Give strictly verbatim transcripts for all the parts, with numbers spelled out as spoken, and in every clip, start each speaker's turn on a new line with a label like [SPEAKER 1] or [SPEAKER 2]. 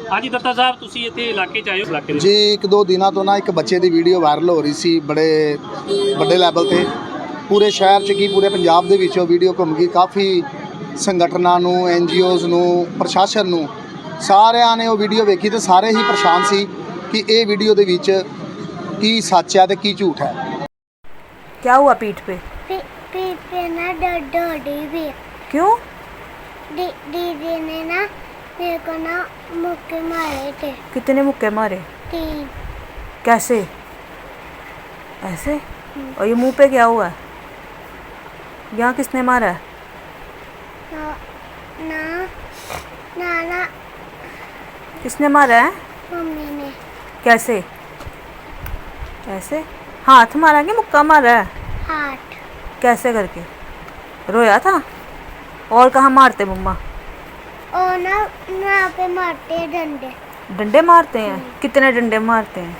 [SPEAKER 1] हाँ जी दत्ता साहब, तुसी इत्थे इलाके च आए हो इलाके
[SPEAKER 2] जी एक दो दिनों तो ना एक बच्चे की वीडियो वायरल हो रही सी बड़े बड़े लैवल ते पूरे शहर च की पूरे पंजाब दे विच वीडियो घूम गई। काफ़ी संगठनों नूं एन जी ओज़ नूं प्रशासन नूं सारिਆਂ ने वो वीडियो वेखी तो सारे ही परेशान सी कि ये वीडियो दे विच की सच है तो की झूठ है।
[SPEAKER 3] क्या हुआ पीठ पे?
[SPEAKER 4] पी, पीठ पे ना दर्द हो रही भी।
[SPEAKER 3] क्यों?
[SPEAKER 4] दी, दीदी ने ना मेरे को ना मुक्के मारे थे।
[SPEAKER 3] कितने मुक्के मारे?
[SPEAKER 4] तीन।
[SPEAKER 3] कैसे? ऐसे? और ये मुंह पे क्या हुआ? यहाँ किसने मारा है?
[SPEAKER 4] ना ना ना ना
[SPEAKER 3] किसने मारा है?
[SPEAKER 4] मम्मी ने।
[SPEAKER 3] कैसे? ऐसे? हाथ मारा कि मुक्का मारा है?
[SPEAKER 4] हाथ।
[SPEAKER 3] कैसे करके? रोया था? और कहाँ मारते मम्मा?
[SPEAKER 4] और ना यहाँ पे मारते हैं डंडे।
[SPEAKER 3] डंडे मारते हैं? कितने डंडे मारते हैं?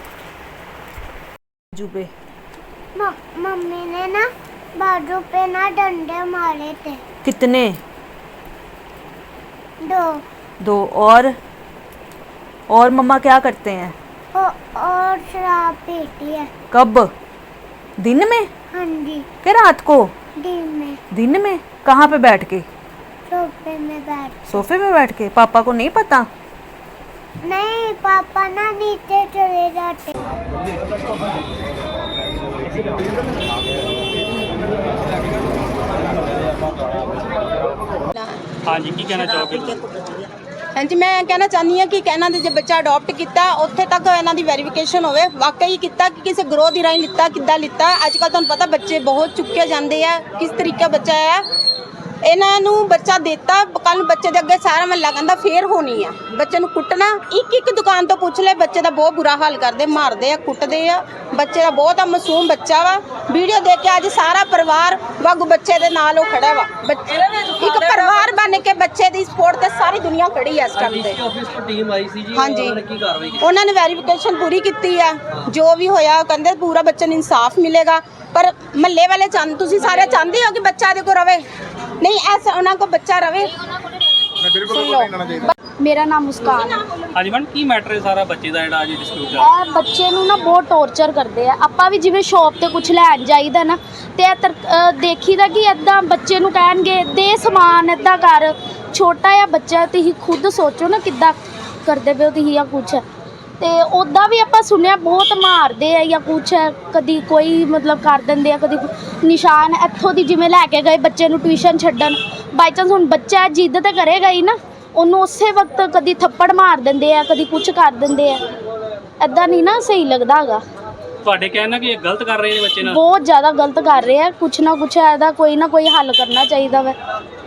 [SPEAKER 3] बाजू पे?
[SPEAKER 4] मम्मी ने ना बाजू पे ना डंडे मारे थे।
[SPEAKER 3] कितने?
[SPEAKER 4] दो।
[SPEAKER 3] दो। और और मम्मा क्या करते हैं?
[SPEAKER 4] और, और शराब पीती है।
[SPEAKER 3] कब? दिन में?
[SPEAKER 4] हाँ जी।
[SPEAKER 3] के रात को?
[SPEAKER 4] दिन में।
[SPEAKER 3] दिन में? कहाँ पे बैठ के?
[SPEAKER 4] सोफे में बैठ।
[SPEAKER 3] सोफे में बैठ के? पापा को नहीं पता?
[SPEAKER 4] नहीं, पापा ना नीचे चले जाते।
[SPEAKER 1] हाँ जी, की कहना चाहोगे?
[SPEAKER 5] हाँ जी, मैं कहना चाहनी हाँ कि इन्हों ने जो बच्चा अडोप्ट किया उत्थे तक इन्हों की वेरीफिकेशन होवे वाकई किया कि किसी ग्रोह की राही लिता किदा लिता। अजकल तुहानूं पता बच्चे बहुत चुके जाते हैं, किस तरीके बच्चा है इन्हों बच्चा देता कल बच्चे के अगे सारा महला कहता फेर होनी है। बच्चे को कुटना एक एक दुकान तो पूछ ले, बच्चे का बहुत बुरा हाल करते, मारते हैं कुटते हैं। बच्चे का बहुत मासूम बच्चा वा, वीडियो देख के अज सारा परिवार वागू बच्चे के नाल खड़ा वा। एक परिवार बन के बच्चे की सपोर्ट से सारी दुनिया खड़ी है इस टाइम पे। हाँ जी, उन्होंने वेरीफिकेशन पूरी की है, जो भी होया कहते पूरा बच्चे को इंसाफ मिलेगा। पर महल्ले वाले चाहते, तुसीं सारे चाहते हो कि बच्चा देखो रवे नहीं, ऐसा उन्होंने को बच्चा रवे।
[SPEAKER 6] मेरा नाम मुस्कान है।
[SPEAKER 1] हाँ जी मैडम, की मैटर है सारा बच्चे का जिहड़ा अज डिस्प्यूट चल रहा?
[SPEAKER 6] ਇਹ ਬੱਚੇ ਨੂੰ ਨਾ ਬਹੁਤ ਟੌਰਚਰ ਕਰਦੇ ਆ। ਆਪਾਂ ਵੀ ਜਿਵੇਂ ਸ਼ੌਪ ਤੇ ਕੁਝ ਲੈਣ ਜਾਈਦਾ ਨਾ ਤੇ ਇਹ ਤਰ- ਅ, ਦੇਖੀਦਾ ਕਿ ਇਦਾਂ ਬੱਚੇ ਨੂੰ ਕਹਿਣਗੇ ਦੇ ਸਮਾਨ ਇਦਾਂ ਕਰ। ਛੋਟਾ ਜਿਹਾ ਬੱਚਾ ਤੁਸੀਂ ਖੁਦ ਸੋਚੋ ਨਾ ਕਿੱਦਾਂ ਕਰਦੇ ਪਏ ਹੋ ਤੁਸੀਂ ਜਾਂ ਕੁਛ। ਤੇ ਉੱਦਾਂ ਵੀ ਆਪਾਂ ਸੁਣਿਆ ਬਹੁਤ ਮਾਰਦੇ ਆ ਜਾਂ ਕੁਛ, ਕਦੀ ਕੋਈ ਮਤਲਬ ਕਰ ਦਿੰਦੇ ਆ, ਕਦੀ ਨਿਸ਼ਾਨ ਇੱਥੋਂ ਦੀ ਜਿਵੇਂ ਲੈ ਕੇ ਗਏ ਬੱਚੇ ਨੂੰ ਟਿਊਸ਼ਨ ਛੱਡਣ। ਬਾਈ ਚਾਂਸ ਹੁਣ ਬੱਚਾ ਜਿੱਦ ਤਾਂ ਕਰੇਗਾ ਹੀ ਨਾ, ਉਹਨੂੰ ਉਸੇ ਵਕਤ ਕਦੀ ਥੱਪੜ ਮਾਰ ਦਿੰਦੇ ਆ, ਕਦੀ ਕੁਛ ਕਰ ਦਿੰਦੇ ਆ। ਇੱਦਾਂ ਨਹੀਂ ਨਾ ਸਹੀ ਲੱਗਦਾ ਹੈਗਾ।
[SPEAKER 1] ਤੁਹਾਡੇ ਕਹਿਣਾ ਕਿ ਇਹ ਗਲਤ ਕਰ ਰਹੇ ਨੇ ਬੱਚੇ ਨਾਲ?
[SPEAKER 6] ਬਹੁਤ ਜ਼ਿਆਦਾ ਗਲਤ ਕਰ ਰਹੇ ਆ। ਕੁਛ ਨਾ ਕੁਛ ਇਹਦਾ ਕੋਈ ਨਾ ਕੋਈ ਹੱਲ ਕਰਨਾ ਚਾਹੀਦਾ ਵਾ।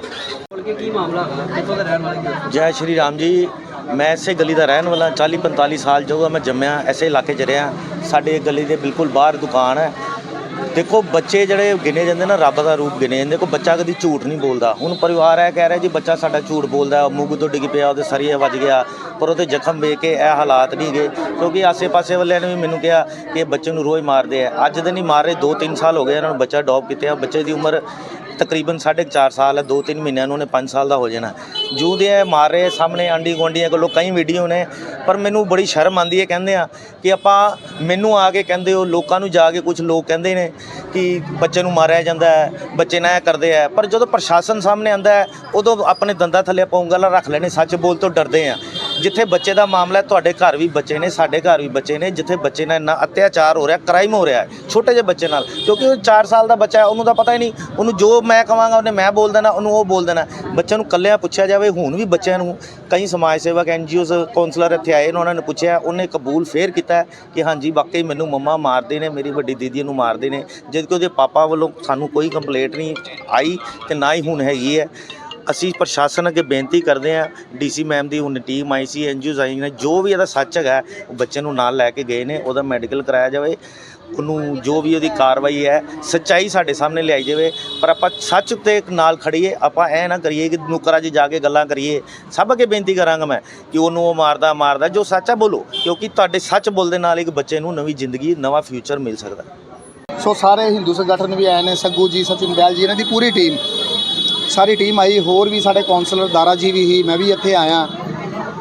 [SPEAKER 1] ਕੀ ਮਾਮਲਾ ਹੈ, ਕਿੱਥੋਂ ਦੇ ਰਹਿਣ ਵਾਲੇ?
[SPEAKER 7] जय श्री राम जी, मैं इसे गली का रहने वाला चाली पंताली साल जो है मैं जम्मिया ऐसे इलाके च रहा। साढ़े गली के बिल्कुल बाहर दुकान है। देखो बच्चे जड़े गिने जाते ना रब का रूप गिने जाते। देखो बच्चा कभी झूठ नहीं बोलता। हुण परिवार है कह रहा जी बच्चा साडा झूठ बोलता, मूंग तो डिग पिया, वो सरिया वज गया, पर वो जख्म वेख के यह हालात नहीं गए। क्योंकि आसे पासे वाले ने भी मैनू कहा कि बच्चे को रोज़ मारते हैं। अज तो नहीं मार रहे, दो तीन साल हो गए इन्होंने बच्चा अडॉप्ट किया। बच्चे की उम्र तकरीबन साढ़े चार साल है, दो तीन महीने उन्होंने पाँच साल का हो जाना। जूँ दे मार रहे सामने आंढी गुआढ़ियों को कई वीडियो ने, पर मैनू बड़ी शर्म आती है। कहते हैं कि आप मैनू आके कहते हो, लोगों को जाके कुछ लोग कहते हैं कि बच्चे को मारिया जाता है, बच्चे ना करते हैं। पर जो प्रशासन सामने आता है उदों अपने दंदा थले आप ਉਂਗਲਾਂ रख लेने, सच बोल तो डरते हैं। जिथे बच्चे का मामला है, तुहाडे घर भी बच्चे ने, साडे घर भी बच्चे ने, जिथे बच्चे नाल इन्ना अत्याचार हो रहा, क्राइम हो रहा है छोटे जे बच्चे नाल। क्योंकि वो चार साल का बच्चा है, उन्होंने तो पता ही नहीं, उन्होंने जो मैं कहांगा उन्हें मैं बोल देना, उन्होंने वो बोल देना। बच्चे को कल्लिया पूछा जाए, हुण भी बच्चों को कई समाज सेवक एन जी ओज़ कौंसलर इत्थे आए, उन्होंने पूछा, उन्हें कबूल फेर किया कि हाँ जी वाकई मैनू मम्मा मारते हैं, मेरी वड्डी दीदी नूं मारते हैं। जबकि उसके पापा वालों सानू कोई कंप्लेंट नहीं आई तो ना ही हुण हैगी है। असी प्रशासन अगे बेनती करते हैं, डी सी मैम की हुण टीम आई सी, एन जी ओज़ आई ने, जो भी इहदा सच है बच्चे नूं नाल लैके गए ने, उहदा मैडिकल कराया जाए। ਉਹਨੂੰ ਜੋ ਵੀ ਉਹਦੀ ਕਾਰਵਾਈ ਹੈ ਸੱਚਾਈ ਸਾਡੇ ਸਾਹਮਣੇ ਲਿਆਈ ਜਾਵੇ। ਪਰ ਆਪਾਂ ਸੱਚ ਤੇ ਨਾਲ ਖੜੀਏ, ਆਪਾਂ ਐ ਨਾ ਕਰੀਏ ਕਿ ਨੁਕਰਾਂ 'ਚ ਜਾ ਕੇ ਗੱਲਾਂ ਕਰੀਏ। ਸਭ ਅੱਗੇ ਬੇਨਤੀ ਕਰਾਂਗਾ ਮੈਂ ਕਿ ਉਹਨੂੰ ਉਹ ਮਾਰਦਾ ਮਾਰਦਾ ਜੋ ਸੱਚ ਹੈ ਬੋਲੋ, ਕਿਉਂਕਿ ਤੁਹਾਡੇ ਸੱਚ ਬੋਲਦੇ ਨਾਲ ਇੱਕ ਬੱਚੇ ਨੂੰ ਨਵੀਂ ਜ਼ਿੰਦਗੀ ਨਵਾਂ ਫਿਊਚਰ ਮਿਲ ਸਕਦਾ।
[SPEAKER 2] सो सारे हिंदू संगठन भी आए हैं, सग्गू जी सचिन बैल जी इन्हां दी पूरी टीम सारी टीम आई, होर भी साढ़े कौंसलर दारा जी भी ही, मैं भी इत्थे आया।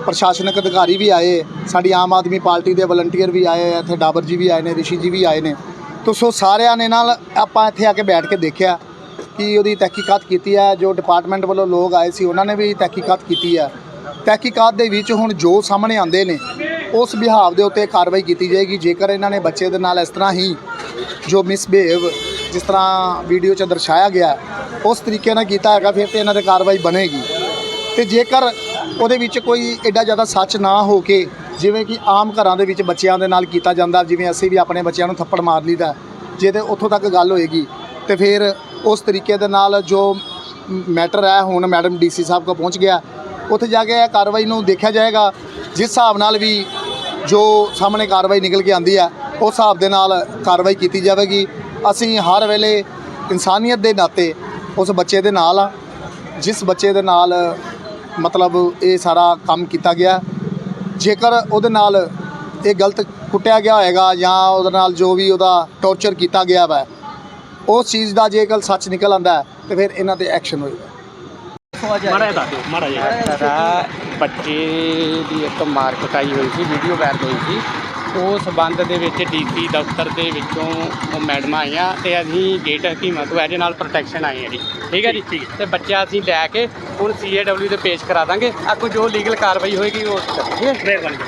[SPEAKER 2] ਪ੍ਰਸ਼ਾਸਨਿਕ ਅਧਿਕਾਰੀ ਵੀ ਆਏ, ਸਾਡੀ ਆਮ ਆਦਮੀ ਪਾਰਟੀ ਦੇ ਵਲੰਟੀਅਰ ਵੀ ਆਏ, ਇੱਥੇ ਡਾਬਰ ਜੀ ਵੀ ਆਏ ਨੇ, ਰਿਸ਼ੀ ਜੀ ਵੀ ਆਏ ਨੇ। ਤੋ ਸੋ ਸਾਰਿਆਂ ਨੇ ਨਾਲ ਆਪਾਂ ਇੱਥੇ ਆ ਕੇ ਬੈਠ ਕੇ ਦੇਖਿਆ ਕਿ ਉਹਦੀ ਤਹਿਕੀਕਾਤ ਕੀਤੀ ਹੈ। ਜੋ ਡਿਪਾਰਟਮੈਂਟ ਵੱਲੋਂ ਲੋਕ ਆਏ ਸੀ ਉਹਨਾਂ ਨੇ ਵੀ ਤਹਿਕੀਕਾਤ ਕੀਤੀ ਹੈ। ਤਹਿਕੀਕਾਤ ਦੇ ਵਿੱਚ ਹੁਣ ਜੋ ਸਾਹਮਣੇ ਆਉਂਦੇ ਨੇ ਉਸ ਬਿਹਾਵ ਦੇ ਉੱਤੇ ਕਾਰਵਾਈ ਕੀਤੀ ਜਾਏਗੀ। ਜੇਕਰ ਇਹਨਾਂ ਨੇ ਬੱਚੇ ਦੇ ਨਾਲ ਇਸ ਤਰ੍ਹਾਂ ਹੀ ਜੋ ਮਿਸਬਿਹੇਵ ਜਿਸ ਤਰ੍ਹਾਂ ਵੀਡੀਓ 'ਚ ਦਰਸਾਇਆ ਗਿਆ ਉਸ ਤਰੀਕੇ ਨਾਲ ਕੀਤਾ ਹੈਗਾ ਫਿਰ ਤੇ ਇਹਨਾਂ 'ਤੇ ਕਾਰਵਾਈ ਬਣੇਗੀ। ਤੇ ਜੇਕਰ ਉਹਦੇ ਵਿੱਚ ਕੋਈ ਐਡਾ ਜ਼ਿਆਦਾ ਸੱਚ ਨਾ ਹੋ ਕੇ ਜਿਵੇਂ ਕਿ ਆਮ ਘਰਾਂ ਦੇ ਵਿੱਚ ਬੱਚਿਆਂ ਦੇ ਨਾਲ ਕੀਤਾ ਜਾਂਦਾ, ਜਿਵੇਂ ਅਸੀਂ ਵੀ ਆਪਣੇ ਬੱਚਿਆਂ ਨੂੰ ਥੱਪੜ ਮਾਰ ਲਈਦਾ, ਜੇ ਤੇ ਉੱਥੋਂ ਤੱਕ ਗੱਲ ਹੋਏਗੀ ਤੇ ਫਿਰ ਉਸ ਤਰੀਕੇ ਦੇ ਨਾਲ ਜੋ ਮੈਟਰ ਹੈ ਹੁਣ ਮੈਡਮ ਡੀਸੀ ਸਾਹਿਬ ਕੋਲ ਪਹੁੰਚ ਗਿਆ, ਉੱਥੇ ਜਾ ਕੇ ਇਹ ਕਾਰਵਾਈ ਨੂੰ ਦੇਖਿਆ ਜਾਏਗਾ। ਜਿਸ ਹਿਸਾਬ ਨਾਲ ਵੀ ਜੋ ਸਾਹਮਣੇ ਕਾਰਵਾਈ ਨਿਕਲ ਕੇ ਆਉਂਦੀ ਹੈ ਉਸ ਹਿਸਾਬ ਦੇ ਨਾਲ ਕਾਰਵਾਈ ਕੀਤੀ ਜਾਵੇਗੀ। ਅਸੀਂ ਹਰ ਵੇਲੇ ਇਨਸਾਨੀਅਤ ਦੇ ਨਾਤੇ ਉਸ ਬੱਚੇ ਦੇ ਨਾਲ ਆ ਜਿਸ ਬੱਚੇ ਦੇ ਨਾਲ ਮਤਲਬ ਇਹ ਸਾਰਾ ਕੰਮ ਕੀਤਾ ਗਿਆ। ਜੇਕਰ ਉਹਦੇ ਨਾਲ ਇਹ ਗਲਤ ਕੁੱਟਿਆ ਗਿਆ ਹੋਏਗਾ ਜਾਂ ਉਹਦੇ ਨਾਲ ਜੋ ਵੀ ਉਹਦਾ ਟੌਰਚਰ ਕੀਤਾ ਗਿਆ ਵਾ ਉਸ ਚੀਜ਼ ਦਾ ਜੇਕਰ ਸੱਚ ਨਿਕਲ ਆਉਂਦਾ ਤੇ ਫਿਰ ਇਹਨਾਂ ਤੇ ਐਕਸ਼ਨ ਹੋਏਗਾ।
[SPEAKER 1] ਮਾੜਾ ਜਿਹਾ ਦੱਸ ਦਿਓ, ਮਾੜਾ ਜਿਹਾ।
[SPEAKER 8] ਸਾਡਾ ਬੱਚੇ ਦੀ ਇੱਕ ਮਾਰ ਕੁਟਾਈ ਹੋਈ ਸੀ, ਵੀਡੀਓ ਵਾਇਰਲ ਹੋਈ ਸੀ। ਉਸ ਸੰਬੰਧ ਦੇ ਵਿੱਚ ਡੀਸੀ ਦਫ਼ਤਰ ਦੇ ਵਿੱਚੋਂ ਉਹ ਮੈਡਮਾਂ ਆਈਆਂ ਤੇ ਅਸੀਂ ਗੇਟ ਹਕੀਮਾਂ ਤੋਂ ਇਹਦੇ ਨਾਲ ਪ੍ਰੋਟੈਕਸ਼ਨ ਆਏ ਹਾਂ ਜੀ। ਠੀਕ ਹੈ ਜੀ। ਤੇ ਬੱਚਾ ਅਸੀਂ ਲੈ ਕੇ ਹੁਣ ਸੀ ਏ ਡਬਲਿਊ ਦੇ ਪੇਸ਼ ਕਰਾ ਦਾਂਗੇ। ਅੱਗੋਂ ਜੋ ਲੀਗਲ ਕਾਰਵਾਈ ਹੋਏਗੀ ਉਹ ਕਰਾਂਗੇ।
[SPEAKER 1] ਮਿਹਰਬਾਨੀ।